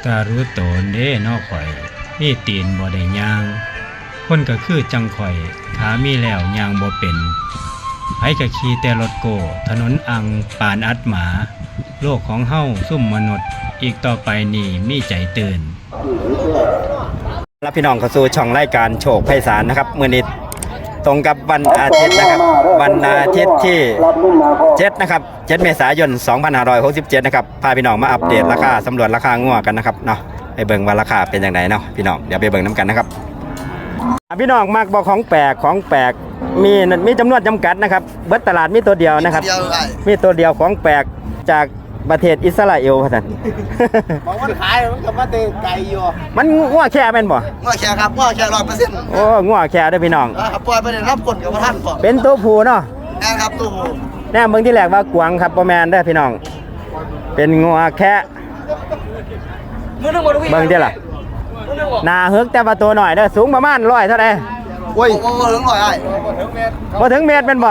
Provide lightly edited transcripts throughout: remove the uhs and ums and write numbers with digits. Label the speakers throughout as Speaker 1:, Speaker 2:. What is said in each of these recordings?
Speaker 1: ตารู้โตนเด้นอข่อยมีตีนบ่ได้ย่างคนก็คือจังข่อยขามีแล้วย่างบ่เป็นไผก็ขี่แต่รถโก้ถนนอังปานอัดหมาโลกของเฮาซุ่มมนุษย์อีกต่อไปนี่มีใจตื่นรับพี่น้องเข้าสู่ช่องรายการโชคไพศาลนะครับมื้อนี้ตรงกับวันอาทิตย์นะครับวันอาทิตย์ที่7นะครับ7เมษายน2567นะครับพาพี่น้องมาอัปเดตราคาสำรวจราคางัวกันนะครับเนาะไปเบิ่งว่าราคาเป็นอย่างไรเนาะพี่น้องเดี๋ยวไปเบิ่งน้ำกันนะครับพี่น้องมักบอกของแปลกมีจำนวนจำกัดนะครับเบิดตลาดมีตัวเดียวนะครับมีตัวเดียวของแปลกจากประเทศอิสราเอลครับท่าน
Speaker 2: บอกว่าขายมันก็มาเตะไก่อยู่
Speaker 1: มันงัวแค่แม่นบ่
Speaker 2: งัวแค่ครับงัวแค่100%
Speaker 1: โอ้งัวแค่เด้อพี่น้อง
Speaker 2: ครับปล่อยไปได้รับกดกับท่านพอ
Speaker 1: เป็นตัวผู้เนาะ
Speaker 2: แม่ครับตัวผู้
Speaker 1: แน่เบิ่งที่แรกว่ากวางครับบ่แม่นเด้อพี่น้องเป็นงัวแค่เบิ่งที่ล่ะหน้าหึกแต่ว่าตัวหน่อยเด้อสูงประมาณ100เท่าใด
Speaker 2: โอ้ยบ่ถึง100ไอ้
Speaker 1: บ่ถึงเมตรเป็นบ่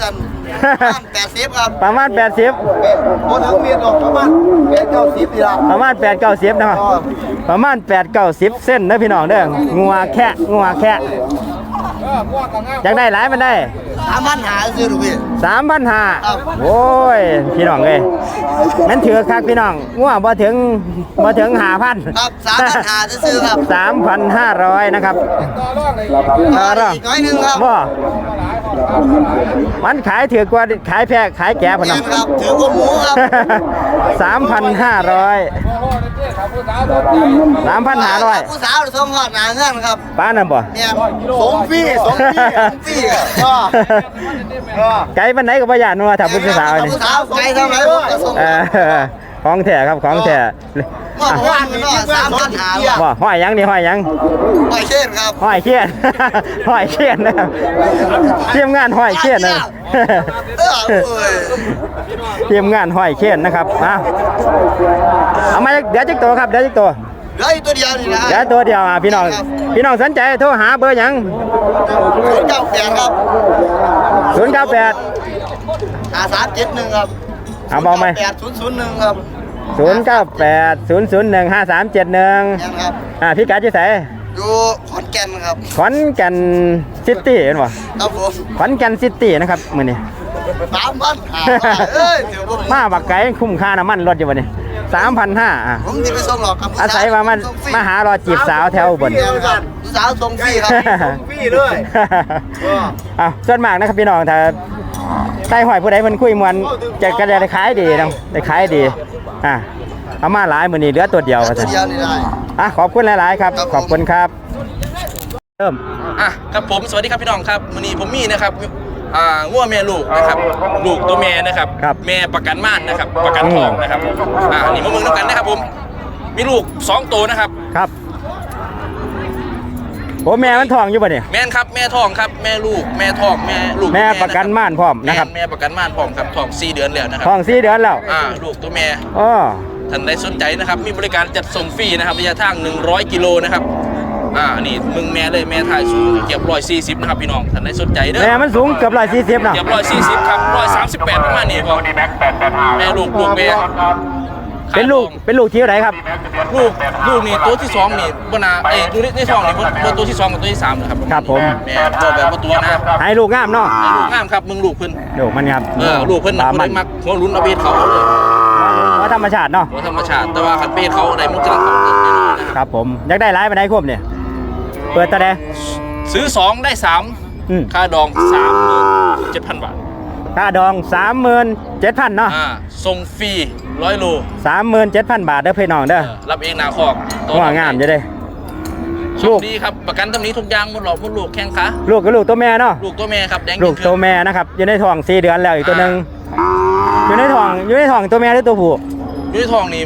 Speaker 2: 80ครับ
Speaker 1: ประมาณ80
Speaker 2: บ่ถึงเมตรหรอกประมาณ8-90นี่ล่ะ
Speaker 1: ประมาณ8-90นะครับประมาณ8-90เส้นเด้อพี่น้องเด้องัวแค่อยากได้หลายมันได้
Speaker 2: 3,500ซื้อลูกพี่
Speaker 1: 3,500โอ้ยพี่น้องเอ้ยมันถือคักพี่น้องงัวบ่ถึง5,000
Speaker 2: ครับ3,500ซื้อครับ
Speaker 1: 3,500 นะครับ
Speaker 2: อีกน้อยนึงครับ
Speaker 1: บ่มันขายถือกว่าขายแพะขายแก่พุ่นน่ะ
Speaker 2: ครับถือกว่าหมูครับ
Speaker 1: 3,500
Speaker 2: ผู้สาวส่งฮอดหน้าเงินครับ
Speaker 1: ป้านั่นบ่
Speaker 2: เนี่ยส่งฟรี
Speaker 1: ไกลปานไหนก็บ่ย่านว่าถ้าผู้สาวนี่
Speaker 2: ผู้สาวไกลเท่าไหร่ก็ส่ง
Speaker 1: ของแท้ครับของแท้
Speaker 2: ว่ามันเนาะ3,500
Speaker 1: บ่ห้อยหยังนี่ห้อยหยัง
Speaker 2: ห้อยเช่นครับ
Speaker 1: ห้อยเขียนห้อยเขียนนะครับทีมงานห้อยเขียนนะทีมงานห้อยเขียนนะครับเอามาเดี๋ยวจักตัวครับเดี๋ยวจักตัว
Speaker 2: เหลือตัวเดียวนี่นะ
Speaker 1: เดี๋ยวตัวเดียวพี่น้องสนใจโทรหาเบอร์หยัง
Speaker 2: 098ครับ
Speaker 1: 098
Speaker 2: 5371ครับ
Speaker 1: เอาบอกไหม
Speaker 2: 8001ครับ
Speaker 1: 098 001 5371พี่กัดที่ไหน
Speaker 2: อยู่ขอนแก่นครับ
Speaker 1: ขอนแก่นซิตี้เห็นป่ะ
Speaker 2: ครับผม
Speaker 1: ขอนแก่นซิตี้นะครับมื้อนี้
Speaker 2: 3,500
Speaker 1: มาบักไก่คุ้มค่าน้ำมันรถอยู่บ่นี่ 3,500
Speaker 2: ผมสิไปส่งหรอกครับ
Speaker 1: อาศัยว่ามันมาหารอจีบสาวแถวบน
Speaker 2: สาวส่งฟรีครับส่งฟรีเลย
Speaker 1: ส่วนมากนะครับพี่น้องถ้าใต้หอยผู้ใดมันคุยมวนจะก็ได้ขายดีนะได้ขายดีเอามาหลายมื้อนี้เหลือตัวเดียว
Speaker 2: ตัวเดียวนี่ได้
Speaker 1: ขอบคุณหลายๆครับขอบคุณครับเริ่ม
Speaker 3: ครับผมสวัสดีครับพี่น้องครับมื้อนี้ผมมีนะครับงัวแม่ลูกนะครับลูกตัวแม่นะครับแม่ประกันม่านนะครับประกันทองนะครับนี่มาเมืองน้ำกันนะครับผมมีลูก2ตัวนะครับ
Speaker 1: ครับโอ้แม่มันทองอยู่ป่ะเนี่ย
Speaker 3: แม่ครับแม่ทองครับแม่ลูกแม่ทองแม่ลูก
Speaker 1: แม่ประกันม่านพร้อมนะครับ
Speaker 3: แม่ประกันม่านพร้อมครับทอง4 เดือนแล้วนะครับ
Speaker 1: ทอง4 เดือนแล้ว
Speaker 3: ลูกตัวแม่ท่านใดสนใจนะครับมีบริการจัดส่งฟรีนะครับระยะทาง100 กิโลนะครับนี่มึงแม่เลยแม่ถ่ายสูงเกือบ140นะครับพี่น้องท่านใดสนใจเด้อ
Speaker 1: แม่มันสูงเกือบ140นะ
Speaker 3: เกือบ140ครับ138ประมาณนี้พอแม่ลูกแม่
Speaker 1: เป็นลูกที่ไหนครับ
Speaker 3: ลูกนี่ตัวที่2นี่บนาตัวที่2นี่ตัวที่2กับตัวที่3นะครับ
Speaker 1: ครับผม
Speaker 3: แม่ตัวแบบตัวนะ
Speaker 1: ให้ลูกงามเนาะ
Speaker 3: ให้ลูกงามครับมึงลูกเพิ่น
Speaker 1: ลูกมันครับ
Speaker 3: ลูกเพิ่นมันมักหัวลุ้นเอาเบสเขาเลย
Speaker 1: ว่าธรรมชาติเนาะ
Speaker 3: ว่าธรรมชาติแต่ว่าคันเบสเขาอะไรมันจะ
Speaker 1: ครับผมอยากได้หลายไปไหนครบเนี่ยเปิดตาแดง
Speaker 3: ซื้อ2ได้3ค่าดอง 37,000 บาท
Speaker 1: ค่าดอง 37,000 เนาะ
Speaker 3: ส่งฟรี100 โล
Speaker 1: 37,000 บาทเด้อพี่น้องเด้อ
Speaker 3: รับเองหน้าคอก
Speaker 1: ตัวงามจะได้
Speaker 3: ลูกดีครับประกันตำนี้ทุกอย่างหมดหลอกหมดลูกแข้งขา
Speaker 1: ลูกก็ลูกตัวแม่เนาะ
Speaker 3: ลูกตัวแม่ครับแดง
Speaker 1: ลูกตัวแม่นะครับอยู่ในท้อง4 เดือนแล้วอีกตัวนึงอยู่ในท้องตัวแม่หรือตัวผู้
Speaker 3: อยู่ในท้องนี่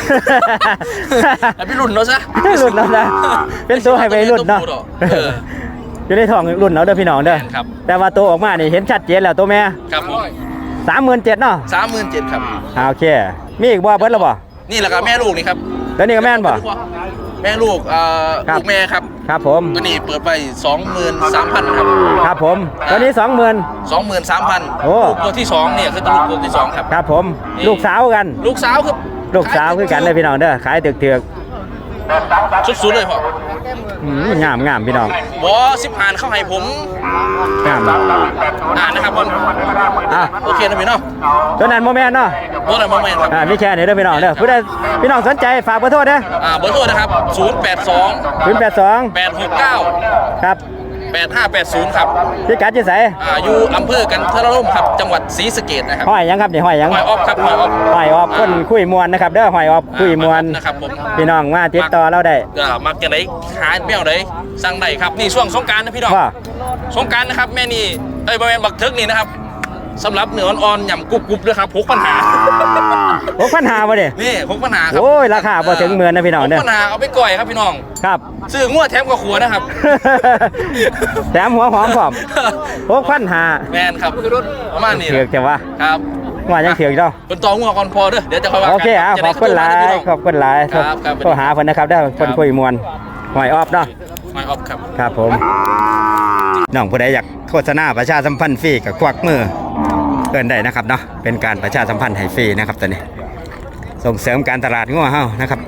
Speaker 3: พี่รุ่นเนาะซะ
Speaker 1: รุ่นเนาะซะเป็นตัวให้ไปรุ่นเนาะอยู่ในท้องรุ่นเนาะเด้อพี่น้องเด้อแต่ว่าตัวออกมานี่เห็นชัดเจนแล้วตัวแม่
Speaker 3: ครับ
Speaker 1: 37,000เนาะ
Speaker 3: 37,000ครับ
Speaker 1: โอเคมีอีกบ่เบิดแล้วบ่
Speaker 3: นี่แหละครับแม่ลูกนี่ครับ
Speaker 1: แล้วนี่ก็แม่นบ่
Speaker 3: แม่ลูกลูกแม่ครับ
Speaker 1: ครับผม
Speaker 3: ตัวนี้เปิดไป 23,000 ครับ
Speaker 1: ครับผมตัวนี้
Speaker 3: 23,000โอ้ตัวที่2เนี่ยคือตัวที่2ครับ
Speaker 1: ครับผมลูกสาวกัน
Speaker 3: ลูกสาวคือ
Speaker 1: ลูกสาวคือกันเลยพี่น้องเด้อขายเถือก
Speaker 3: สุดๆเลยพ่อง
Speaker 1: ามพี่น้อง
Speaker 3: บอ15เข้าให้ผม
Speaker 1: งาม
Speaker 3: นะครับบอล
Speaker 1: อ่ะ
Speaker 3: โอเคนะพี่น้อง
Speaker 1: ตัวนั้นโมเมนต์เนาะ
Speaker 3: บอลอะไรมาแมนครับ
Speaker 1: มีแค่นี้เด้อพี่น้องเด้อผู้ใดพี่น้องสนใจฝากเบอร์โทรเด้อ
Speaker 3: เบอร์โทรนะครับ082
Speaker 1: 082
Speaker 3: 869
Speaker 1: ครับ
Speaker 3: 8580ครับ
Speaker 1: พี่กัดอยู่ไส
Speaker 3: อยู่อำเภอกันทรล่มครับจังหวัดศรีสะเกษนะครับ
Speaker 1: ห้อยหยังครับนี่ห้อยหยัง
Speaker 3: หอยออฟครับหอยออฟ
Speaker 1: ห้อยออบคนคุยมวนนะครับเด้อห้อยออบคุยมวน
Speaker 3: นะครับผม
Speaker 1: พี่น้องมาติดต่อเราได้
Speaker 3: มักจะได้ขายแมวได้สั่งได้ครับนี่ช่วงสงกรารนะพี่น้อง
Speaker 1: ว่า
Speaker 3: สงกรารนะครับแม่นี่บริเวณบักเทิกนี่นะครับสำหรับเนื้ออ่อนๆหย่ำกรุบๆด้วยครับ6 ปัญหา
Speaker 1: 6,500บ่เด้
Speaker 3: นี่6 ปัญหาครับ
Speaker 1: โอ้ยราคาบ่ถึงหมื่นนะพี่น้องเด้อ
Speaker 3: 6 ปัญหาเอาไปก่อยครับพี่น้อง
Speaker 1: ครับ
Speaker 3: ซื้องวดแถมกับขัวนะครับ
Speaker 1: แถมหัวหอมพร้อม6,500
Speaker 3: แมนครับประมาณนี้
Speaker 1: เถือกจังวะ
Speaker 3: ครับ
Speaker 1: ว่ายังเถือกเนาะ
Speaker 3: เป็นตองงัวก่อนพอเด้อเดี๋ยวจะค่อยว่ากัน
Speaker 1: โอเคอ่ะ
Speaker 3: จะ
Speaker 1: ข
Speaker 3: ได้
Speaker 1: อบคุณหลาย
Speaker 3: เข้า
Speaker 1: ขอบคุณหลาย
Speaker 3: ครับครับ
Speaker 1: โทรหาเพิ่นนะครับเด้อเพิ่นคุยมวนห้อยออบเนาะ
Speaker 3: หอยออฟครับ
Speaker 1: ครับผมน้องผู้ใดอยากโฆษณาประชาสัมพันธ์ฟรีกับควักมือเกินได้นะครับเนาะเป็นการประชาสัมพันธ์ให้ฟรีนะครับตอนนี้ส่งเสริมการตลาดงัวเฮานะครับ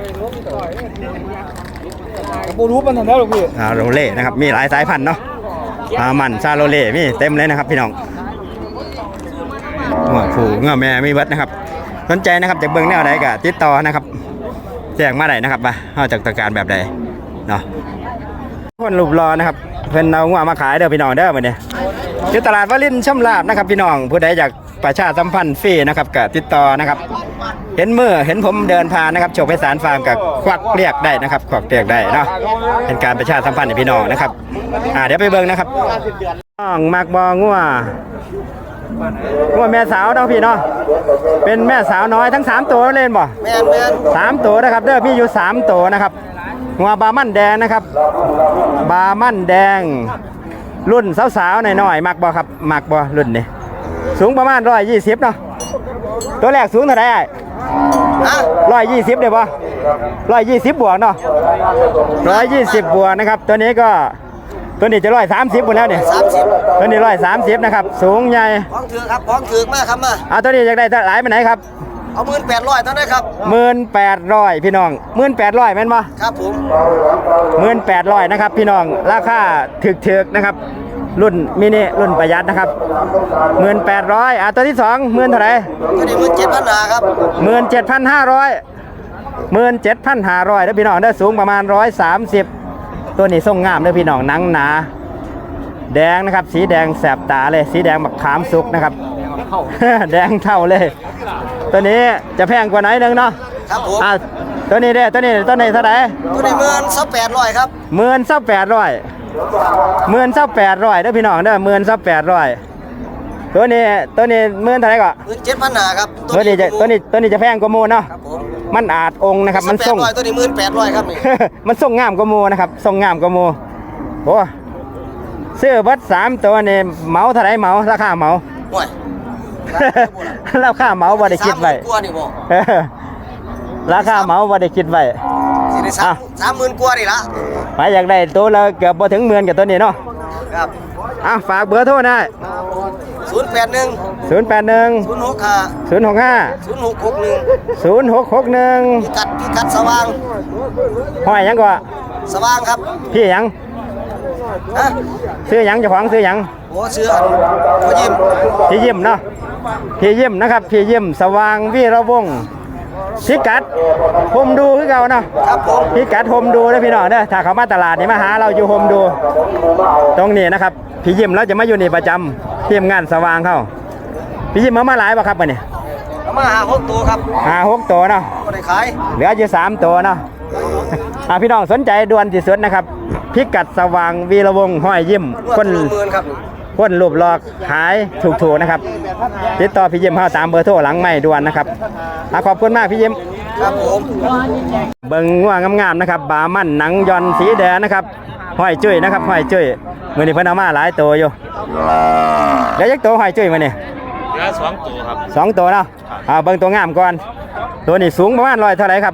Speaker 2: บูรูปมันทำได้หรอพี่
Speaker 1: โรเล่นะครับมีหลายสายพันธุ์เนาะมันซาโรเล่มีเต็มเลยนะครับพี่น้องงัวผูงัวแม่มีเบิดนะครับสนใจนะครับจากเบิ่งแนวใดก็ติดต่อนะครับแจ้งมาได้นะครับว่าเฮาจักต้องการแบบใดเนาะคนรูปรอนะครับเพิ่นเอางัวมาขายเด้อพี่น้องเด้อมื้อนี้อยู่ตลาดวลินทร์ช่ำลาบนะครับพี่น้องผู้ใดอยากประชาสัมพันธ์ฟรีนะครับก็ติดต่อนะครับเห็นมือเห็นผมเดินผ่านนะครับโชคไพศาลฟาร์มกับควักเรียกได้นะครับควักเรียกได้เนาะเป็นการประชาสัมพันธ์ให้พี่น้องนะครับเดี๋ยวไปเบิ่งนะครับน้องมักบ่งัวแม่สาวเนาะพี่เนาะเป็นแม่สาวน้อยทั้ง3ตัวเล่นบ่
Speaker 2: แมน
Speaker 1: 3ตัวนะครับเด้อมีอยู่3ตัวนะครับงัวบามั่นแดงนะครับบามั่นแดงรุ่นสาวๆหน่อยๆมักบ่ครับมักบ่รุ่นนี้สูงประมาณ120เนาะตัวแรกสูงเท่าไหร่120ได้บ่120บวกเนาะ120บวกนะครับตัวนี้จะ130หมดแล้วเนี่ย
Speaker 2: 30
Speaker 1: ตัวนี้130นะครับสูงใหญ่
Speaker 2: พ้องถือครับพ้องถือมากครับมา
Speaker 1: ตัวนี้อยากได้หลายไปไหนครับ
Speaker 2: เอา1800เท่านั้นครับ
Speaker 1: 1800พี่น้อง1800แม่นบ่
Speaker 2: ครับผม
Speaker 1: 1800นะครับพี่น้องราคาถึกๆนะครับรุ่นมินิรุ่นประหยัดนะครับ1800ตัวที่2หมื่นเท่าไหร่
Speaker 2: ตัวนี้17,000นาครับ
Speaker 1: 17,500แล้วพี่น้องได้สูงประมาณ130ตัวนี้ทรงงามเลยพี่น้องหนังหนาแดงนะครับสีแดงแสบตาเลยสีแดงแบบขามสุกนะครับ แดงเท่าเลย ตัวนี้จะแพงกว่าไหนนึงเนาะ
Speaker 2: ครับผม
Speaker 1: ตัวนี้เท่าไหร่
Speaker 2: ตัวนี้18,000ครับ
Speaker 1: 18,800เด้อพี่น้องเด้อ18,800ตัวนี้เท่าไหร่ก่อน
Speaker 2: 17,000นาครับ
Speaker 1: ตัวนี้จะแพงกว่าหมูเนาะ
Speaker 2: ครับผม
Speaker 1: มันอาจองค์นะครับมันส่ง
Speaker 2: 1800ตัวนี้18,000ครับนี่
Speaker 1: มันส่งงามกว่าหมูนะครับส่งงามกว่าหมูโอ้ซื้อเบัด3ตัวนี่เหมาเท่าไหร่เหมาราคาเหมา
Speaker 2: โอ้ย
Speaker 1: ราคาเหมาบ่ได้คิดไว้
Speaker 2: 30,000กว่านี่บ่
Speaker 1: ราคาเหมาบ่ได้คิดไว้
Speaker 2: สิได้30,000กว่านี่ละ
Speaker 1: ไปอยากได้ตัวละเกือบบ่ถึงหมื่นกับตัวนี้เนาะ
Speaker 2: ครับ
Speaker 1: ฝากเบอร์โทรนะ
Speaker 2: 081
Speaker 1: 081
Speaker 2: 065
Speaker 1: 065
Speaker 2: 0661
Speaker 1: 0661
Speaker 2: พิกัดสว่าง
Speaker 1: ห้อยหยังก็
Speaker 2: สว่างครับ
Speaker 1: พี่หยัง
Speaker 2: ฮะ
Speaker 1: ซื้อหยังเจ้าของซื้อหยัง
Speaker 2: โอ้เสื้อพ่อยิ้ม
Speaker 1: พี่ยิ้มเนาะพี่ยิ้มนะครับพี่ยิ้มสว่างวีระวงศ์พิกัดโฮมดูคือเก่าเนาะ
Speaker 2: ครับผม
Speaker 1: พิกัดโฮมดูนะพี่น้องเด้อถ้าเขามาตลาดนี่มาหาเราอยู่โฮมดูตรงนี้นะครับพี่ยิ้มเราจะมาอยู่นี่ประจำทีมงานสว่างเขาพี่ยิ้มมาหลายป่ะครับวันนี้
Speaker 2: เอามา6ตัวครับ
Speaker 1: 6ตัวเนาะ
Speaker 2: บ่ได้ขาย
Speaker 1: เหลืออยู่3ตัวเนาะพี่น้องสนใจด่วนที่สุดนะครับพิกัดสว่างวีระวงศ์ห้อยยิ้ม
Speaker 2: คนละหมื่นครับ
Speaker 1: คนรูปหลอกหายถูกๆนะครับติดต่อพี่ยิ้มเฮาตามเบอร์โทรหลังไม่ด่วนนะครับขอบคุณมากพี่ยิ้ม
Speaker 2: ครับผม
Speaker 1: เบิ่งง่วงงามๆนะครับบามันหนังยอนสีแดงนะครับห้อยจุ้ยนะครับห้อยจุ้ยมื้อนี้เพิ่นเอามาหลายตัวอยู่เดี๋ยวยักตัวห้อยจุ้ยมื้อนี้
Speaker 3: เหลือ2 ตัวครับ
Speaker 1: 2ตัวเนาะเบิ่งตัวงามก่อนตัวนี้สูงประมาณ100เท่าไหร่ครับ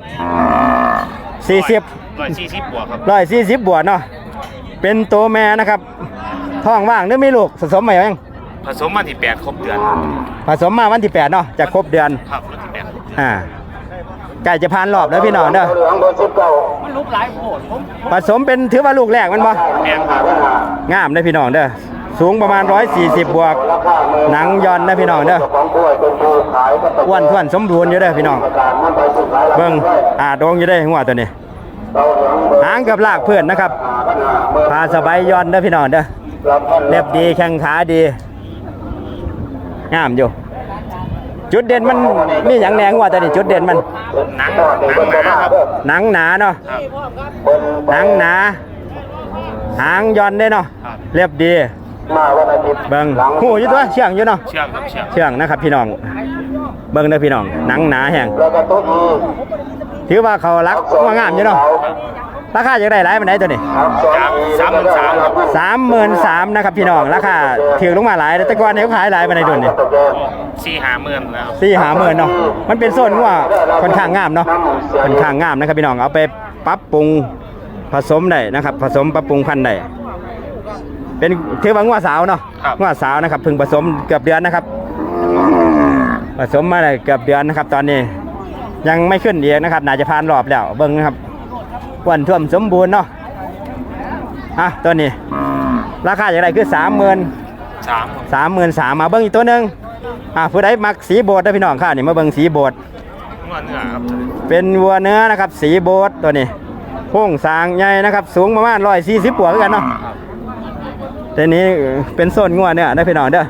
Speaker 1: 40
Speaker 3: 140บวกครับ
Speaker 1: 140บวกเนาะเป็นตัวแม่นะครับท้องว่างหรือมีลูกผสมใหม่ยัง
Speaker 3: ผสมมาที่8ครบเดือน
Speaker 1: ผสมมาวันที่8เนาะจะครบเดือน
Speaker 3: ครับวันที่8ครบเดือน
Speaker 1: ไก่จะผ่านรอบแล้วพี่น้องเด้อ
Speaker 4: มันลุกหลายโผดผม
Speaker 1: ผสมเป็นถือว่าลูกแรกมันบ่
Speaker 4: แม่นครับ
Speaker 1: งามเด้อพี่น้องเด้อสูงประมาณ140บวกหนังย่อนนะพี่น้องเด้ออ้วนท้วนสมบูรณ์อยู่เด้อพี่น้องเบิ่งโดงอยู่เด้อหัวตัวนี้หางกับลากเพื่อนนะครับพาสบายย่อนเด้อพี่น้องเด้อเล็บดีแข้งขาดีงามอยู่จุดเด่นมันมีอย่างแหนงว่าแต่นี่จุดเด่นมัน
Speaker 4: หนังหนาครับ
Speaker 1: หนังหนาเนาะหนังหนาหางย่อนได้เนาะเรียบดีเบิ่งหูอยู่ตัวเชื่องอยู่เนาะ
Speaker 4: เชื่องครับเชื่อง
Speaker 1: เชื่องนะครับพี่น้องเบิ่งเด้อพี่น้องหนังหนาแห้งถือว่าเขารักว่างามอยู่เนาะราคาจะได้หลายปานใดตัวนี้
Speaker 4: จาก33,000ครับ
Speaker 1: 33,000นะครับพี่น้องราคาถือลงมาหลายแต่ก่อนเขาขายหลายปานใดตัวนี้
Speaker 4: 4-50,000แล้ว
Speaker 1: 4-50,000เนาะมันเป็นโซนว่าค่อนข้างงามเนาะค่อนข้างงามนะครับพี่น้องเอาไปปรับปรุงผสมได้นะครับผสมปรับปรุงพันธุ์ได้เป็นถือว่างัวสาวเนาะงัวสาวนะครับเพิ่งผสมเกือบเดือนนะครับผสมมาได้เกือบเดือนนะครับตอนนี้ยังไม่ขึ้นอีกนะครับน่าจะผ่านรอบแล้วเบิ่งนะครับอ้วนท่วมสมบูรณ์เนาะตัวนี้ราคาอย่างไรคือ33,000มาเบิ่งอีกตัวหนึงผู้ใดมักสีโบดนะพี่น้องค่ะนี่มาเบิ่งสีโบด
Speaker 4: งัวเนื้อครับ
Speaker 1: เป็นวัวเนื้อนะครับสีโบดตัวนี้โค้งสร้างใหญ่นะครับสูงประมาณ140บวกกันเนาะตัวนี้เป็นโซนงัวเนื้อนะพี่น้องเด้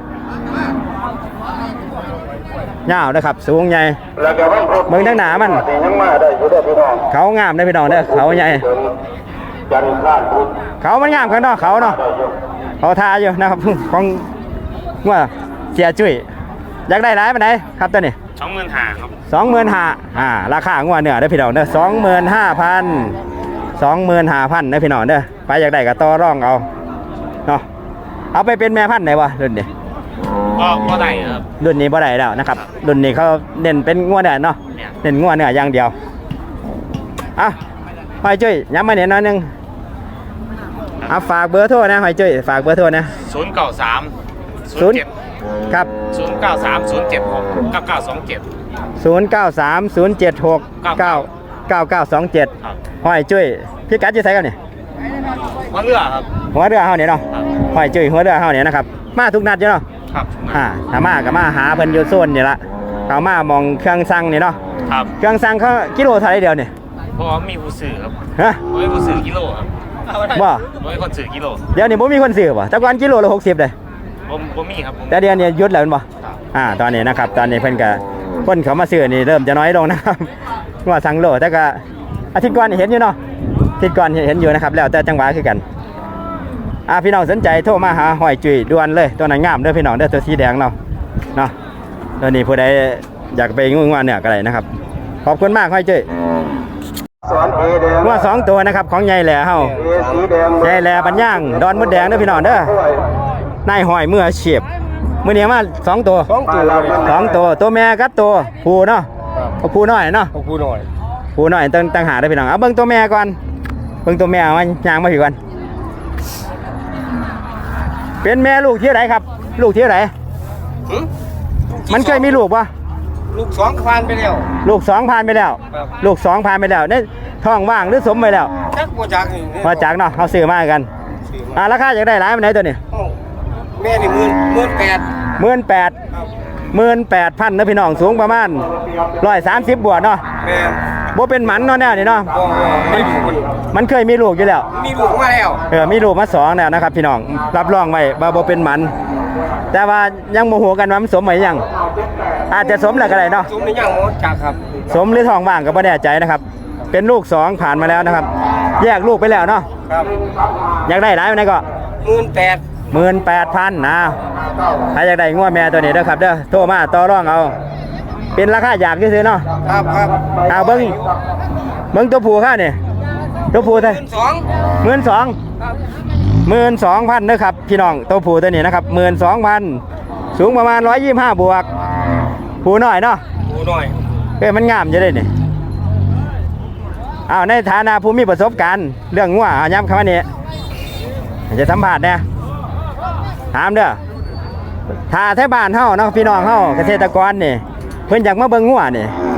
Speaker 1: อยาวนะครับสูงใหญ่เบิ่งทั้งหนามันเขางามนะพี่น้องเด้อเขาใหญ่เขามันงามข้างนอกเขาเนาะเขาทาอยู่นะครับของงัวเสียจุ้ยอยากได้หลายปานใดครับตัวนี้
Speaker 4: 25,000ครับ
Speaker 1: 25,000ราคางัวเนื้อเด้อพี่น้องเด้อ25,000นะพี่น้องเด้อไปอยากได้ก็ต่อรองเอาเนาะเอาไปเป็นแม่พันธุ์ได้บ่รุ่นนี้
Speaker 4: ก็ได้ครับ
Speaker 1: รุ่นนี้บ่ได้แล้วนะครับรุ่นนี้เขาเน้นเป็นงัวเนื้อเนาะเน้นงัวเนื้ออย่างเดียวหอยจุ้ยย้ำมาเนี่ยน้อยนึงฝากเบอร์โทรนะหอยจุ้ยฝากเบอร์โทรนะ
Speaker 4: 093
Speaker 1: 0 ครับ
Speaker 4: 093 076 9927
Speaker 1: 0930769927หอยจุ้ยพี่กัดจะใส่กันเนี่ย
Speaker 4: งัวเนื้อครับ
Speaker 1: หัวเรือเฮาเนี่ยเนาะหอยจุ้ยหัวเรือเฮาเนี่ยนะครับมาทุกนัดอยู่เนาะ
Speaker 4: ครับ
Speaker 1: ถ้ามาก็มาหาเพิ่นอยู่โซนนี่ละเขามามองเครื่องสั่งนี่เนาะ
Speaker 4: ครับ
Speaker 1: เครื่องสั่งเขากิโลเท่าไหร่เดียวนี่
Speaker 4: เพราะว่ามีผู้ซื้อครับ
Speaker 1: ฮะ
Speaker 4: ไม่ผู้ซื้อกิโลครับ
Speaker 1: บ่
Speaker 4: ไม่คนซื้อกิโล
Speaker 1: เดี๋ยวนี้บ่มีคนซื้อบ่แต่ก่อนกิโลละ60เลย
Speaker 4: ผมมีครับผม
Speaker 1: แต่เดี๋ยวนี้หยุดแล้วแม่นบ่ตอนนี้นะครับตอนนี้เพิ่นก็คนเขามาซื้อนี่เริ่มจะน้อยลงนะครับว่าสั่งโลแต่ก็อาทิตย์ก่อนนี่เห็นอยู่เนาะอาทิตย์ก่อนเห็นอยู่นะครับแล้วแต่จังหวะคือกันพี่น้องสนใจโทรมาหาหอยจุ้ยด่วนเลยตัวนั้นงามเด้อพี่น้องเด้อตัวสีแดงเนาะตัวนี้ผู้ใดอยากไปงวดเนี่ยก็ได้นะครับขอบคุณมากหอยจุ้ยงวด2ตัวนะครับของใหญ่แหล่เฮาใหญ่แหล่ปัญญางดอนมดแดงเด้อพี่น้องเด้อนายหอยมืออาชีพมื้อนี้มา2ตัวตัวแม่กับตัวผู้เนาะผู้น้อยเนาะผู้น้อยตั้งหาได้พี่น้องเอาเบิ่งตัวแม่ก่อนเบิ่งตัวแม่มันย่างมาพี่ก่อนเป็นแม่ลูกที่ไหนครับลูกที่ไหนมันเคยมีลูกปะ
Speaker 2: ลูก2ผ่านไปแล้ว
Speaker 1: ลูก2ผ่านไปแล้วลูก2ผ่านไปแล้วเนี่ยท้องว่างหรือสมไปแล้ว
Speaker 2: จักบ่จักนี่
Speaker 1: มาจากเนาะเขาซื้อมากันราคาอยากได้หลายปานไหนตัวนี้
Speaker 2: แม่นี่
Speaker 1: 18,000นะพี่น้องสูงประมาณ130บวกเนาะ
Speaker 2: แม่
Speaker 1: บ่เป็นหมันเนาะแน่นี่เนาะ
Speaker 2: ไม่อยู่คน
Speaker 1: มันเคยมีลูกอยู่แล้ว
Speaker 2: มีลูกมาแล้ว
Speaker 1: มีลูกมา2แล้วนะครับพี่น้องรับรองไว้ว่าบ่เป็นหมันแต่ว่ายังโมโหกันว่ามันสมไหมยังอาจจะสมแล้วก็ได้เนาะ
Speaker 2: ซุ้มนี่ยังหมดจักครับ
Speaker 1: สมหรือทองว่างก็บ่แน่ใจนะครับเป็นลูก2ผ่านมาแล้วนะครับแยกลูกไปแล้วเนาะ
Speaker 2: ครับ
Speaker 1: อยากได้หลายปานไหนก็
Speaker 2: 18,000
Speaker 1: 18,000นะถ้าอยากได้งัวแม่ตัวนี้เด้อครับเด้อโทรมาต่อรองเอาเป็นราคาอยากซื่อๆเนาะ
Speaker 2: ครับ
Speaker 1: เบิ่งตัวผู้ค่ะนี่ตัวผู้เท่า 12,000นะครับพี่น้องตัวผู้ตัวนี้นะครับ12,000สูงประมาณ125บวกผู้น้อยเนาะ
Speaker 2: ผู้น้อย
Speaker 1: มันงามจะได้นี่ในฐานะผู้มีประสบการณ์เรื่องงัวย้ำคำว่านี้จะสัมผัสเนี่ยถามเด้อถ้าแถวบ้านเฮาเนาะพี่น้องเฮาเกษตรกรนี่เพิ่นอยากมาเบิ่งงัวนี่ค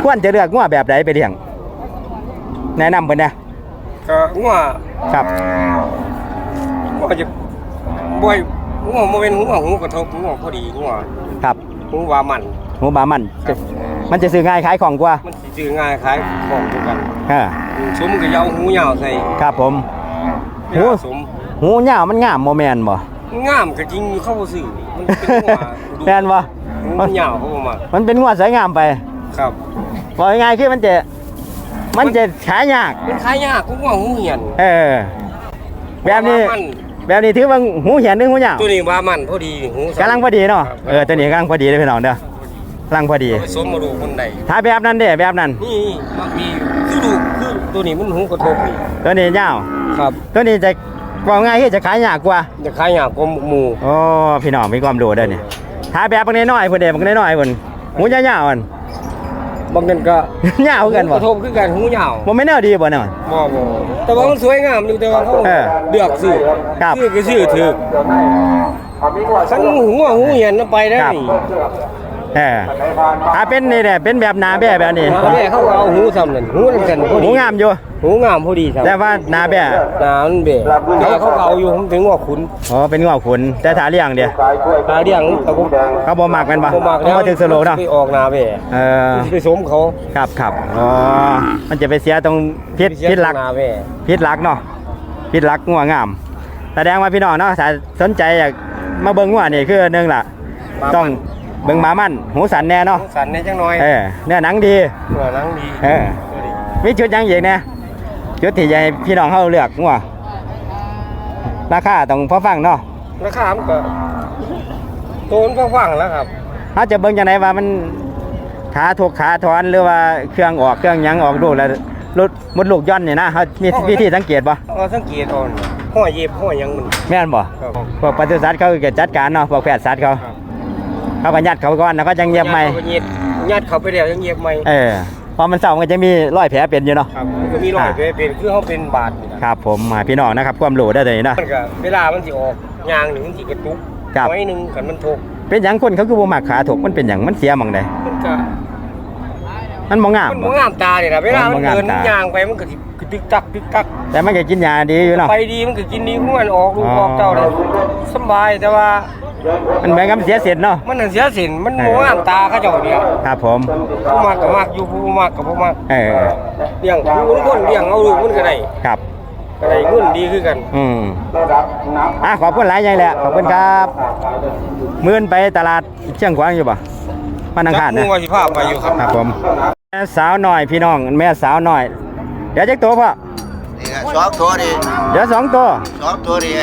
Speaker 1: ควรจะเลือกงัวแบบใดไปเลี้ยงแนะนำเพิ่นนะ
Speaker 5: ก็งัว
Speaker 1: ครับ
Speaker 5: งัวจะบ่อยงัวบ่เป็นงัวหูกระทบงัวพอดีงัว
Speaker 1: ครับ
Speaker 5: หูว่ามัน
Speaker 1: หูบามันจะซื้อง่ายขายของกว่า
Speaker 5: มันสิซื้อง่ายขายของทุกกัน
Speaker 1: อ่า
Speaker 5: สมก็ยาวหูยาวใส่
Speaker 1: ครับผม
Speaker 5: หูสม
Speaker 1: หูยาวมันงามบ่แม่นบ่
Speaker 5: งามก็จริงอยู่เข้าบ่ซื้อมันเป็นงัวดู
Speaker 1: แม่นบ่
Speaker 5: หูมันยาวเขาบ่มา
Speaker 1: มันเป็นงัวสวยงามไป
Speaker 5: ครับ
Speaker 1: บอกง่ายๆคือมันจะขายยาก
Speaker 5: มันขายยากกูงัวหูเหียน
Speaker 1: เออแบบนี้
Speaker 5: ว่ามัน
Speaker 1: แบบนี้ถือว่าหูเหียนหรือหูยาว
Speaker 5: ตัวนี้ว่ามันพอดีหู
Speaker 1: กำลังพอดีเนาะตัวนี้กำลังพอดีเลยพี่น้องเด้อกำลังพอดี
Speaker 5: ผสมมาดูคนใด
Speaker 1: ถ้าแบบนั้นเด้แบบนั้น
Speaker 5: นี่มันมีคือดูคือตัวนี้มันหูกระทบนี่
Speaker 1: ตัวนี้ยาว
Speaker 5: ครับ
Speaker 1: ตัวนี้จะบอกง่ายคือจะขายยากกว่า
Speaker 5: จะขายยากกว่าหมู่
Speaker 1: โอ้พี่น้องมีความรู้เด้อนี่ถ้าแบบบางน้อยๆเพิ่นเด้บางน้อยๆเพิ่นหูยาวๆมัน
Speaker 5: บางนั้นก็
Speaker 1: ยาวกัน
Speaker 5: ก
Speaker 1: บ่
Speaker 5: ระทบคือกันหูยาว
Speaker 1: บ่แม่นแนวดีบ่เนาะ
Speaker 5: บ่แต่ว่ามันสวยงามอยู่แต่ว่าเขา
Speaker 1: เออ
Speaker 5: เลือกซื้อ
Speaker 1: ครับ
Speaker 5: ซื้อก็ซื้อถูกสันหูเหียนไปได้
Speaker 1: ครับ
Speaker 5: นี่
Speaker 1: เออถ้าเป็นนี่แหละเป็นแบบหนาแบ่แบบนี้
Speaker 5: แม่เขาก็เอาหูซ้ำนั่นหูนั่นกันพอ
Speaker 1: หู
Speaker 5: ดี
Speaker 1: งามอยู่
Speaker 5: หูงามพอดีซ้ำ
Speaker 1: แต่ว่าหนาแบ่
Speaker 5: หนามันเบะแต่ว่าเขาก็เอาอยู่ผมถึงว่าขุน
Speaker 1: อ๋อเป็นงอกขุนแต่ถ้าเลี้ยงเดียว
Speaker 5: ตาเดียงแต่ผม
Speaker 1: เขาบ่มักแม่นบ่
Speaker 5: ผมมาก
Speaker 1: เขาบ่ถึงสโลว์เนาะ
Speaker 5: ไปออกหนาเบะ
Speaker 1: เออ
Speaker 5: ไปสมเขา
Speaker 1: ครับอ๋อมันจะไปเสียตรงพิษหลัก
Speaker 5: หนาเบะ
Speaker 1: พิษหลักเนาะพิษหลักงัวงามแสดงว่าพี่น้องเนาะถ้าสนใจอยากมาเบิ่งงัวนี่คือหนึงล่ะ ต้องเบิ่งหมามันหูสันแน่เนาะ
Speaker 5: สันในจังน้อย
Speaker 1: เออเนื้อหนังดี
Speaker 5: หัวหนังดี
Speaker 1: เออ มีจุดหยังอีกเนี่ยจุดที่ใหญ่พี่น้องเขาเลือกงัวราคาต้องพอฟังเนาะ
Speaker 5: ราคามันก็โตนก็ฟังแล้วครับ
Speaker 1: เขาจะเบิ่งจังไดว่ามันขาถูกขาถอนหรือว่าเครื่องออกเครื่องหยังออกดูแล้วรถมดลูกย่อนนี่นะเขามีวิธีสังเกตบ่
Speaker 5: เราสังเกตเอ่อนห้อยเย็บห้อยหยังมัน
Speaker 1: แม่นบ่
Speaker 5: ครับ
Speaker 1: พวกปศุสัตว์เขาก็จัดการเนาะพวกแพทย์สัตว์เขาเขาก็ยัดเขาก่อนแล้วก็จังเย็บใหม่
Speaker 5: ยัดเขาไปแล้วยังเย็บใหม่
Speaker 1: เออพอมันเศร้ามันก็จะมีรอยแผลเป็นอยู่เนาะ
Speaker 5: ครับมันก็มีรอยเป็นคือเขาเป็นบาดนี่นะครับ
Speaker 1: ผมพี่น้องนะครับความรู้ได้เลยเนาะ
Speaker 5: มันก็เวลามันสิออกยางหนึ่งมันสิกระตุก
Speaker 1: ครับ
Speaker 5: ไว้หนึ่งกันมันทก
Speaker 1: เป็นหยังคนเขาคือบ่มักขาถกมันเป็นหยังมันเสียหม่องใด
Speaker 5: มันก็
Speaker 1: มันบ่งาม
Speaker 5: มัน
Speaker 1: บ่
Speaker 5: บ่งามตาเนี่ยนะเวลามัน
Speaker 1: บ่งาม
Speaker 5: เดิน
Speaker 1: ตา
Speaker 5: ยางไปมันก็สิตึกตักตึกตัก
Speaker 1: แต่มันก็กินยาดีอยู่เนาะ
Speaker 5: ไปดีมันก็กินดีของมันออกลูก
Speaker 1: อ๋อ
Speaker 5: ออกเต้าเลยสำบายแต่ว่า
Speaker 1: มันเหมือนกับเสียเสร็จเนาะ
Speaker 5: มันนั่นเสียสินมันบ่งามตาเขาเจ้าเนี่ย
Speaker 1: ครับผม
Speaker 5: ผู้มากก็มากอยู่ผู้บ่มากก็บ่มาก
Speaker 1: เออ
Speaker 5: เลี้ยงผู้คนเลี้ยงเอาลูกมันก็ได้
Speaker 1: ครับ
Speaker 5: ก็ได้เงินดีคือกัน
Speaker 1: ขอบคุณหลายอย่างแหละขอบคุณครับมื้อนไปตลาดเชียงขวางอยู่บ่วันอังคาร
Speaker 5: จั
Speaker 1: นะ
Speaker 5: กมู่ว่าสิพาไปอยู่ครับ
Speaker 1: ครับผมแม่สาวน้อยพี่น้องแม่สาวน้อย เดี๋ยวจักตัวพ่อ
Speaker 2: นี่ครับสองตัวนี่
Speaker 1: เดี๋ยว2ตัว
Speaker 2: สองตัวนี่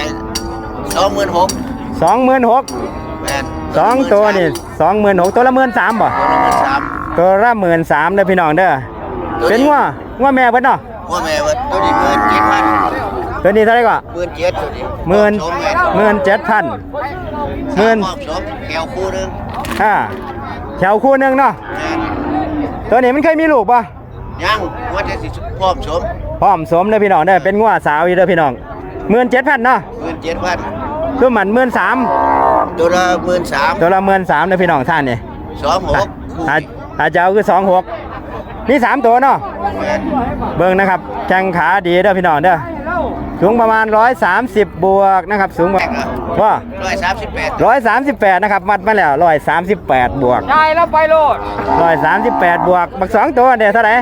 Speaker 2: 26,000
Speaker 1: 26,000
Speaker 2: แม่น
Speaker 1: 2ตัวนี่26,000ตัวละ13,000บ่
Speaker 2: 13,000
Speaker 1: ตัวละ13,000เด้อพี่น้องเด้อเป็นงัวแม่เบิดเนาะ
Speaker 2: ว่าแม่เบิดตัวนี้17,000
Speaker 1: ตัวนี้เท่าไหร่ก็
Speaker 2: 17,000ตัวนี้
Speaker 1: 17,000
Speaker 2: หมื่นสมแก้วคู่หนึง
Speaker 1: แถวคู่หนึงเนาะ
Speaker 2: แม่น
Speaker 1: ตัวนี้มันเคยมีลูกป่ะ
Speaker 2: ยังว่าจะสิพร้อมสม
Speaker 1: พร้อมสมเด้อพี่น้องเด้อเป็นงัวสาวอยู่เด้อพี่น้อง17,000เนาะ
Speaker 2: 17,000
Speaker 1: ตัวมัน13,000
Speaker 2: ตัวละ13,000
Speaker 1: ตัวละ13,000เด้อพี่น้องท่านนี่
Speaker 2: 26,000
Speaker 1: อาจจะเอาคือ26มี3ตัวเนาะ
Speaker 2: แม่น
Speaker 1: เบิ่งนะครับแข้งขาดีเด้อพี่น้องเด้อสูงประมาณ130บวกนะครับสูงว่า 138นะครับวัดมาแล้ว138บวก
Speaker 5: ได้แล้วไปโลด
Speaker 1: 138บวกบัก2ตัวเด้อเท่าไหร่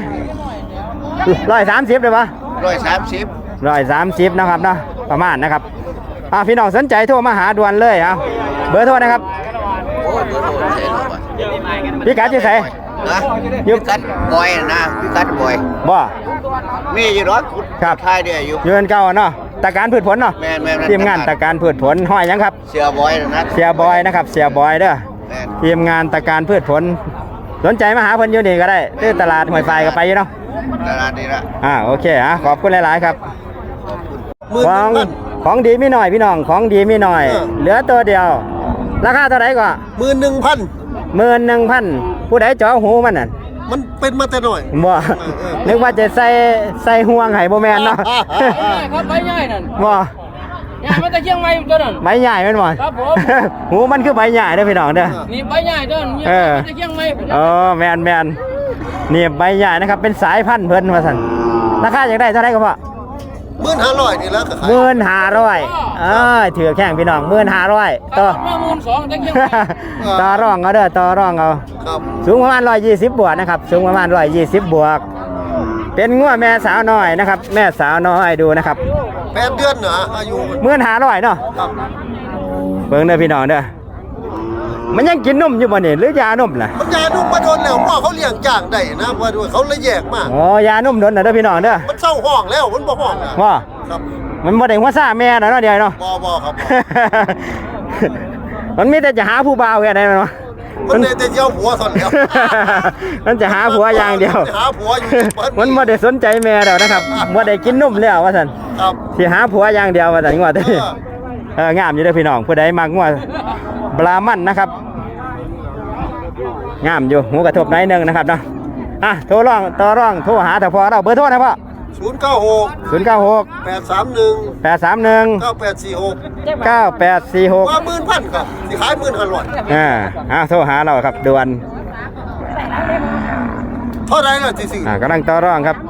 Speaker 1: 130ได้ปะ
Speaker 2: 130
Speaker 1: 130นะครับเนาะประมาณนะครับพี่น้องสนใจโทรมาหาด่วนเลยเอาเบอร์โทรนะครับ
Speaker 2: โอ้ยเบอร์โทรเสียแล้วว่ะ
Speaker 1: พี่กัดที่ไส
Speaker 2: นะ
Speaker 1: อยู่
Speaker 2: พี่กัดบอยนะพี่กัดบอย
Speaker 1: บ่
Speaker 2: มีอยู่รถ
Speaker 1: ครับ
Speaker 2: ทายเดียวอยู่
Speaker 1: อยู่กันเก่าเนาะตะการพืชผลเนาะ
Speaker 2: แม่น
Speaker 1: ทีมงานตะการพืชผลห้อยหยังครับ
Speaker 2: เสียบอยนะ
Speaker 1: เสียบอยนะครับเสียบอยเด้อ
Speaker 2: แม่น
Speaker 1: ทีมงานตะการพืชผล สนใจมาหาเพิ่นอยู่นี่ก็ได้ที่ตลาดห้วยไฟก็ไปอยู่เนาะ
Speaker 2: ตลาดนี้ละ
Speaker 1: โอเคขอบคุณหลายๆครับ
Speaker 2: หมื่น
Speaker 1: ของ
Speaker 2: หนึ่ง
Speaker 1: ของดีมีหน่อยพี่น้องของดีมีหน่อย เหลือตัวเดียว ราคาเท่าไหร่ก็
Speaker 2: 11,000
Speaker 1: 11,000ผู้ใดเจาะหูมันน่ะ
Speaker 2: มันเป็นมาแต่หน่อย
Speaker 1: บ่นึกว่าจะใส่ห่วงให้บ่แม่นเนาะ
Speaker 6: ครับใบใหญ่นั่น
Speaker 1: บ่
Speaker 6: ใหญ่มาแต่เชียงใหม่ตัวนั้น
Speaker 1: ใบใหญ่แม่นบ่
Speaker 6: ครับผม
Speaker 1: หูมันคือใบใหญ่เด้อพี่น้องเด้อ
Speaker 6: นี่ใบใหญ่ตัวนั้น
Speaker 1: เออ
Speaker 6: มาแต่เชียงใหม่
Speaker 1: แม่นนี่ใบใหญ่นะครับเป็นสายพันธุ์เพิ่นว่าซั่นราคาอยากได้เท่าไหร่ก็พอ
Speaker 2: 15,000นี่แล้วก็ขาย
Speaker 1: 15,000ถือแข้งพี่น้อง15,000ต่อ
Speaker 6: มา12,000ตะเกียงไม้
Speaker 1: ต่อรองเอาเด้อต่อรองเอา
Speaker 2: ครับ
Speaker 1: สูงประมาณ120บวกนะครับสูงประมาณ120บวกเป็นงัวแม่สาวน้อยนะครับแม่สาวน้อยดูนะครับ
Speaker 2: 8 เดือนเหรออายุ
Speaker 1: 15,000เนาะ
Speaker 2: ครับ
Speaker 1: เบิ่งเด้อพี่น้องเด้อมันยังกินนมอยู่บ่นี่หรือยานมล่ะ
Speaker 2: มันยานุ่มมาโดนแล้วพ่อเขาเลี้ยงจ้างได้นะว่าด้วยเขาเลยแยกมาก
Speaker 1: อ๋อยานมโดนน่ะเด้อพี่น้องเด้อ
Speaker 2: มันเศร้าห้องแล้วมันบ่ห้องแล้ว
Speaker 1: ว่า
Speaker 2: ครับ
Speaker 1: มันบ่ได้หัวซ่าแม่น่ะเนาะเดี๋ยวเนาะ
Speaker 2: บ่ครับ
Speaker 1: มันมีแต่จะหาผู้บ่าวแค่นั้นเนาะ
Speaker 2: มันได้แต่เจ้าผัวสนแล้ว
Speaker 1: มันจะหาผัวอย่างเดียว
Speaker 2: หาผัวอยู่เบิด
Speaker 1: มันบ่ได้สนใจแม่แล้วนะครับบ่ได้กินนมแล้วว่าซั่น
Speaker 2: ครับ
Speaker 1: สิหาผัวอย่างเดียวว่าซั่นงัวตัวนี้งามอยู่เด้อพี่น้องผู้ใดมักงัวบรามันนะครับงามอยู่หูกระทบหน่อยหนึงนะครับเนาะโทรร้องต่อร้องโทรหาถ้าพอเราเบอร์โทรนะพ่อ
Speaker 2: 096
Speaker 1: 096
Speaker 2: 831
Speaker 1: 831
Speaker 2: 9846
Speaker 1: 9846
Speaker 2: ว่า10,000ครับสิขาย15,000
Speaker 1: โทรหาเราครับด่วน
Speaker 2: เท่าไหร่ล่ะสิซื้อก
Speaker 1: ำลังต่อรองครับ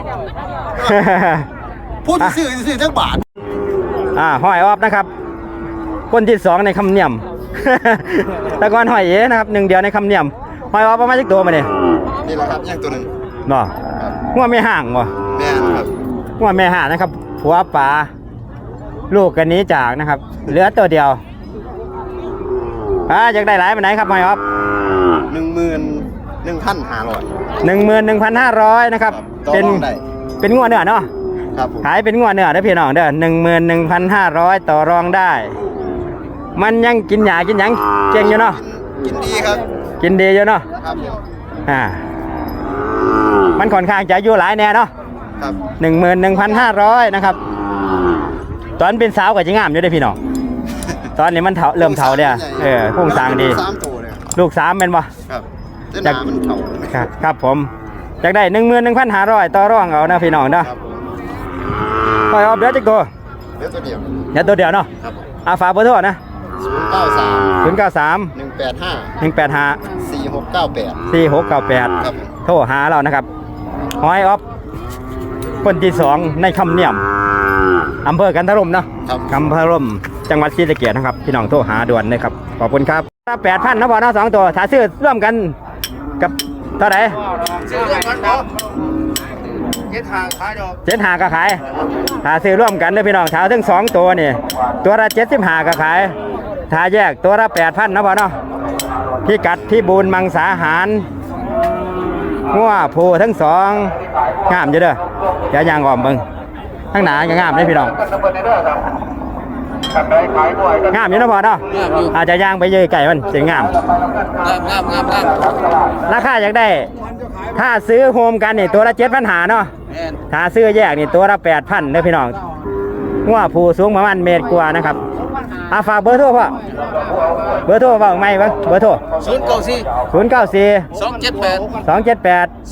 Speaker 2: พูดซื้อทั้งบาท
Speaker 1: ห้อยออฟนะครับ คนที่2ในคำเนียม แต่ก่อนห้อยเอ๋นะครับ1เดียวในคำเนียมห้อยออฟประมาณจักตัวมาเนี่ย
Speaker 2: นี่แหละครับย่างตัวนึง
Speaker 1: เนาะงัวไม่ห่างบ่
Speaker 2: แม่นครับ
Speaker 1: งัวไม่ห่างนะครับผัวป่าลูกกันนี้จากนะครับเหลือตัวเดียวอยากได้หลายปานไหนครับห้อยออฟ
Speaker 2: 11,500
Speaker 1: 11,500นะครับ
Speaker 2: ต่อ
Speaker 1: เป็น
Speaker 2: รองได้
Speaker 1: เป็นงัวเนื้อเนาะ
Speaker 2: ครับผม
Speaker 1: ขายเป็นงัวเนื้อเด้อพี่น้องเด้อ11,500ต่อรองได้ มันยังกินหญ้ากินหยังเก่งอยู่เนาะ
Speaker 2: กินดีครับ
Speaker 1: กินดีอยู่เนาะ
Speaker 2: ครับผม
Speaker 1: มันค่อนข้างจะอายุหลายแน่เนาะ
Speaker 2: ครับ
Speaker 1: 11,500นะครับตอนเป็นสาวก็จะงามอยู่เด้อพี่น้องตอนนี้มันเริ่มเฒ่าเด้อพุ่งสร้างดี
Speaker 2: 3ตัวเลย
Speaker 1: ลูก3แม่นบ่
Speaker 2: ครับแต่หน้ามันเฒ่า
Speaker 1: ครับผมอยากได้11,500ต่อรองเอานะพี่น้องเนาะ
Speaker 2: ครับผม
Speaker 1: ปล่อยออกเดี๋ยวจักตัว
Speaker 2: เดี๋ยวตัวเดียว
Speaker 1: เดี๋ยวตัวเดียวเนาะ
Speaker 2: ครับผม
Speaker 1: ฝากเบอร์โทรนะ
Speaker 2: 093
Speaker 1: 093
Speaker 2: 185
Speaker 1: 185
Speaker 2: 4698
Speaker 1: 4698
Speaker 2: ครับผม
Speaker 1: โทรหาเรานะครับหอยออฟคนที่2ในคำเนียมอำเภอกันทรมเนาะ
Speaker 2: ครับ
Speaker 1: กันทรมจังหวัดศรีสะเกษนะครับพี่น้องโทรหาด่วนเลยครับขอบคุณครับ8,000นะบ่เนาะ2ตัวถ้าซื้อร่วมกันกับเท่าไหร่
Speaker 2: ซื้อเรื่องกันบ่เฮ็ดทางขายดอก
Speaker 1: 75ก็ขายถ้าซื้อร่วมกันเด้อพี่น้องถ้าถึง2ตัวนี่ตัวละ75ก็ขายถ้าแยกตัวละ8,000นะบ่เนาะพี่กัดพี่บูนมังสาหารงัวผูทั้งสองงามอยู่เด้ออย่าย่างอ้อมเบิ่งทั้งหนาก็งามเด้อพี่น้องงามอยู่นะพ่อเนาะอาจจะย่างไปเยอะไก่มันสิงามราคาอยากได้ถ้าซื้อโฮมกันนี่ตัวละ7,500เนาะถ้าซื้อแยกนี่ตัวละ8,000เด้อพี่น้องงัวผูสูงประมาณเมตรกว่านะครับฝากเบอร์โทรพ่อเบอร์โทรเว้าไหมเบิ่งเบอร์โทร 094
Speaker 6: 278
Speaker 1: 278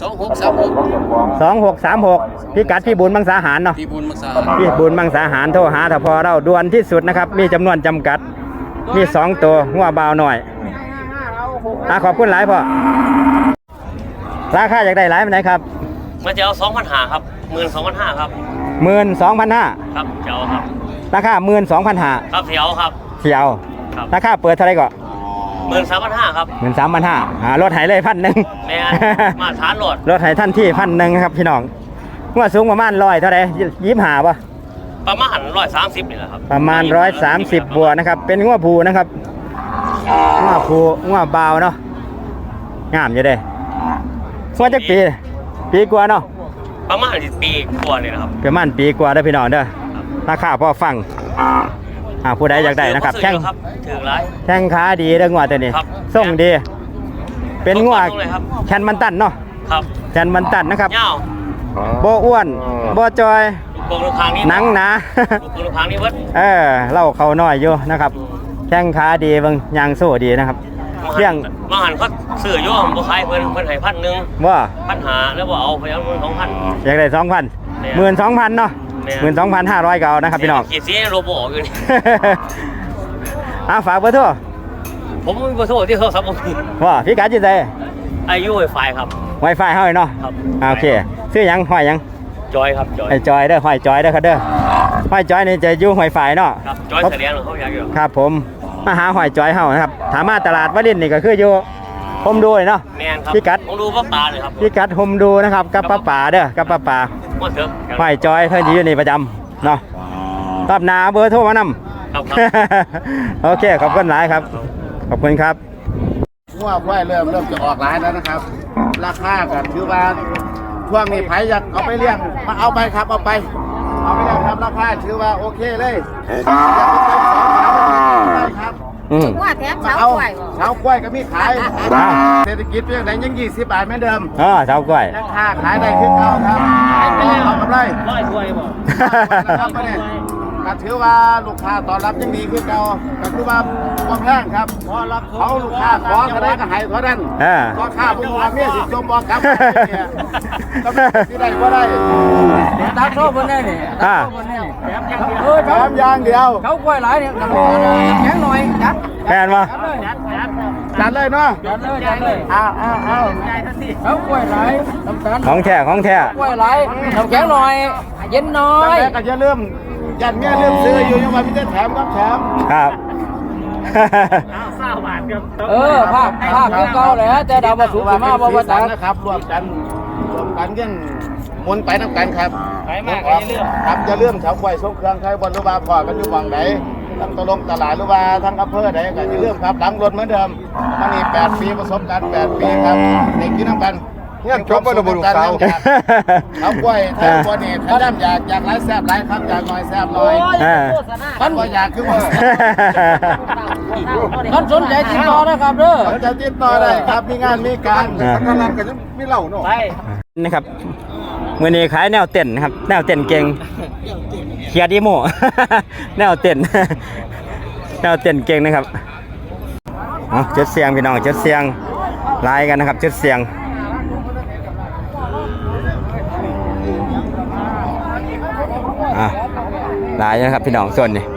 Speaker 1: 2636พี่กัดพี่บุญมังสาหารเนาะ
Speaker 6: พี่บุญมักษา
Speaker 1: พี่บุญมังสาหารโทรหาถ้าพอเราด่วนที่สุดนะครับมีจำนวนจำกัดมี2ตัวหัวเบาหน่อยขอบคุณหลายพ่อราคาอยากได้หลายปานไหนครับ
Speaker 4: มันจะเอา2,500ครับ12,500ครับ
Speaker 1: 12,500
Speaker 4: ครับเจ้าครับ
Speaker 1: ราคา12,500
Speaker 4: ครับเสียวครับ
Speaker 1: เที่ยว
Speaker 4: ครับ
Speaker 1: ราคาเปิดเท่าไหร่ก็
Speaker 4: 13,500ครับ
Speaker 1: 13,500ลดให้เลย1,000
Speaker 4: แม่มาฐานโหลด
Speaker 1: ลดให้ท่านที่1,000ครับพี่น้องหัวสูงประมาณ100เท่าไหร่25ป่ะ
Speaker 4: ประมาณ130นี่แหละครับ
Speaker 1: ประมาณ130บวกนะครับเป็นงัวผูนะครับงัวผูงัวเบาเนาะงามอยู่เด้งัวจักปีกว่าเนาะ
Speaker 4: ประมาณปีกว่านี่นะครับ
Speaker 1: ประมาณปีกว่าเด้อพี่น้องเด้อราคาพอฟังผู้ใดอยากได้นะครับ
Speaker 4: ซื้
Speaker 1: แข้ง
Speaker 4: อครับถึงไร
Speaker 1: แข้งขาดีเด้องัวตัวนี้
Speaker 4: ครับ
Speaker 1: ส่งดี เป็นงัว
Speaker 4: ส่งเลยครับ
Speaker 1: แคนมันตันเนาะ
Speaker 4: ครับ
Speaker 1: แคนมันตันนะครับ
Speaker 4: เงา
Speaker 1: บ่อ้วนบ่จอย
Speaker 4: โกงลูกค้างนี้
Speaker 1: หนังหนา
Speaker 4: โกงลูกค้างนี้เบิด
Speaker 1: เล่าเขาน้อยอยู่นะครับแข้งขาดีเบิ่งยางโซ่ดีนะครับเรื่อง
Speaker 4: มาหันเขาซื้อโยมบ่ขายเพิ่นให้1,000
Speaker 1: ว่า
Speaker 4: 1,500แล้วบ่เอาไปเอาเงิน2,000
Speaker 1: อยากได้ 2,000 12,000เนาะ
Speaker 4: แม่
Speaker 1: 12,500ก็เอานะครับพี่น้อง
Speaker 4: ขีดสีโรบออกอยู่นี่
Speaker 1: ฝากเบอร์โทร
Speaker 4: ผมมีเบอร์โทรที่โทรศัพท์ผมมี
Speaker 1: ว่าพี่กัดจิตใจ
Speaker 4: อายุไวไฟครับ
Speaker 1: Wi-Fi เฮาเนาะ
Speaker 4: ครับ
Speaker 1: โอเคซื้อหยังห้อยหยัง
Speaker 4: จอยครับจอย
Speaker 1: ไอ้จอยเด้อห้อยจอยเด้อครับเด้อห้อยจอยนี่จะอยู่Wi-Fi เนาะ
Speaker 4: ครับจอยเสลียงเขาอยากอยู่
Speaker 1: ครับผมมาหาห้อยจอยเฮานะครับถามมาตลาดวลินนี่ก็คืออยู่ผมดูเลยเนาะ
Speaker 4: แมนครับ
Speaker 1: พี่กัด
Speaker 4: ผมดูว่าปลาเลยครับ
Speaker 1: พี่กัดผมดูนะครับกับป้าป่าเด้อกับป้าป่า
Speaker 4: ว่าเถอะ
Speaker 1: ห้อยจอยเพิ่นสิอยู่นี่ประจำเนาะรอบหน้าเบอร์โทรมานำ
Speaker 4: ครับครับ
Speaker 1: โอเคขอบคุณหลายครับขอบคุณครับ
Speaker 2: งัวควายเริ่มจะออกหลายแล้วนะครับ ราคากันคือว่าช่วงนี้ไผอยากเอาไปเลี้ยงมาเอาไปครับเอาไปเลี้ยงครับราคาถือว่าโอเคเลยอยากไปเต็ม2,000ได้ครับ
Speaker 7: ว่าแถม
Speaker 2: มา
Speaker 7: เช้า
Speaker 2: เอา
Speaker 7: กล้วย
Speaker 2: เช้ากล้วยก็มีขายเศรษฐกิจเพียงใดยัง20 บาทเหมือนเดิม
Speaker 1: เช้ากล้วย
Speaker 2: ราคาขายได้ขึ้นเก่าครับเอากำไร
Speaker 4: ร้อยถ้วยบ่
Speaker 2: ครับมาเนี่ยก็ถือว่าลูกค้าตอนรับยังดีขึ้นเก่าก็คือว่าบ่แพงครับเขาลูกค้าขอก็ได้ก็ให้เท่านั้นก็ค่าพวกเราเมียสิจมบ่กลับเนี่ยก็สิได้บ่ได้
Speaker 6: ตักโซ่บนได้นี่ตักโซ่บนได้นี่
Speaker 2: แถมอย่างเดียว
Speaker 6: เขากล้วยหลายเนี่ยน้ำแข็งหน่อยจัด
Speaker 1: แม่นบ่
Speaker 2: จัดเลยเนาะ
Speaker 6: จัดเลย
Speaker 2: เอา
Speaker 6: เขากล้วยหลายน้ำตาล
Speaker 1: ของแท้ของแท้
Speaker 6: กล้วยหลายน้ำแข็งหน่อย เย็นน้อ
Speaker 2: จัง
Speaker 6: ย
Speaker 2: แรกก็จะเริ่มยันเมียเริ่มซื้ออยู่ยังว่ามีแต่แถมครับแถม
Speaker 1: ครับ
Speaker 6: ภาคคือเก่าแหละแต่ดาวมาสูงขึ้นมาบ่ว่าตัก
Speaker 2: นะครับรวมกันยังมนไปน้ำกันครับครับจะเลื่อมชาวควายส่งเครื่องใครบนหรือว่าพอกันอยู่วังไหนทั้งตลงตลาดหรือว่าทั้งอำเภอไหนก็จะเลื่อมครับหลังรถเหมือนเดิมมันนี่8 ปีประสบการณ์8 ปีครับในกินน้ำกันเนี่ยจบไปแล้วบุรุษสาวชาวควายถ้าควายนี่ถ้าด้อยากหลายแซ่บหลายครับอยากน้อยแซ่บน้อยมันก็อยากคือว่า
Speaker 6: ท่านสนใจติดต่อนะครับเด้อ
Speaker 2: จะติดต่อได้ครับมีงานมีการทำงานกันไม่เล่าเนาะ
Speaker 1: นะครับมื้อนี้ขายแนวเต้นนะครับแนวเต้นเก่งเขียดอีโม แนวเต้น แนวเต้นเก่งนะครับจุดเสียงพี่น้องจุดเสียงลายกันนะครับจุดเสียงหลายนะครับพี่น้องส่วนนี้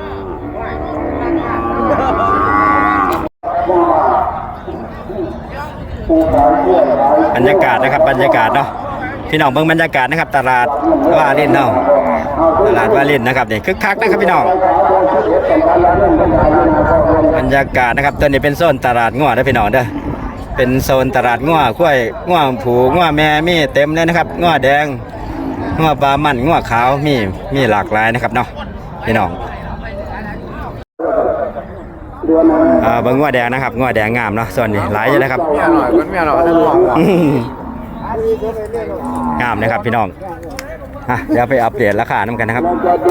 Speaker 1: บรรยากาศนะครับบรรยากาศเนาะพี่น้องเบิ่งบรรยากาศนะครับตลาดวารินเนาะตลาดวารินนะครับนี่คึกคักนะครับพี่น้องบรรยากาศนะครับตัวนี้เป็นโซนตลาดงัวนะพี่น้องเด้อเป็นโซนตลาดงัวกล้วยงัวผูงัวแม่มีเต็มเลยนะครับงัวแดงงัวปลามันงัวขาวมีหลากหลายนะครับเนาะพี่น้องเบิ่งงัวแดงนะครับงัวแดงงามเนาะส่วนนี้หลายอยู่นะครับ
Speaker 2: เมียหน่อยมันเมียหน่อยจะลอง
Speaker 1: งามนะครับพี่น้องเดี๋ยวไปอัปเดตราคาน้ำกันนะครับ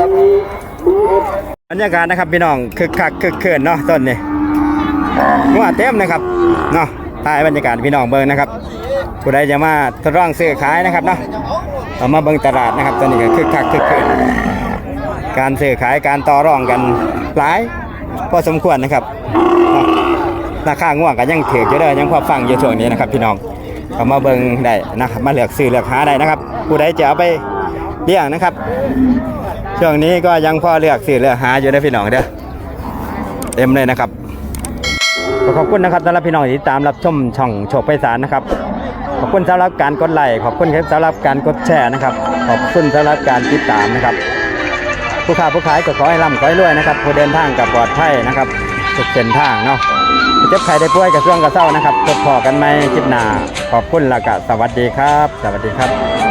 Speaker 1: บรรยากาศนะครับพี่น้องคึกคักคึกคืนเนาะต้นนี้งัวเต็มนะครับเนาะถ่ายบรรยากาศพี่น้องเบิ่งนะครับผู้ใดจะมาทดลองซื้อขายนะครับเนาะเอามาเบิ่งตลาดนะครับต้นนี้ก็คึกคักคึกคืนการซื้อขายการต่อรองกันหลายพอสมควรนะครับราคาง่วงก็ยังถืออยู่เด้อยังพอฟังอยู่ช่วงนี้นะครับพี่น้องเอามาเบิ่งได้นะครับมาเลือกซื้อเลือกหาได้นะครับผู้ใดจะเอาไปเลี้ยงนะครับช่วงนี้ก็ยังพอเลือกซื้อเลือกหาอยู่นะพี่น้องเด้อเต็มเลยนะครับขอบคุณนะครับสำหรับพี่น้องที่ตามรับชมช่องโชคไพศาลนะครับขอบคุณสำหรับการกดไลค์ขอบคุณสำหรับการกดแชร์นะครับขอบคุณสำหรับการติดตามนะครับผู้ค้าผู้ขายก็ขอให้ร่ำขอให้รวยนะครับผู้เดินทางกับปลอดภัยนะครับทุกเส้นทางเนาะเจ็บไข้ได้ป่วยกับช่วงกระเซ้านะครับพบพอกันไหมคลิปหน้าขอบคุณและก็สวัสดีครับสวัสดีครับ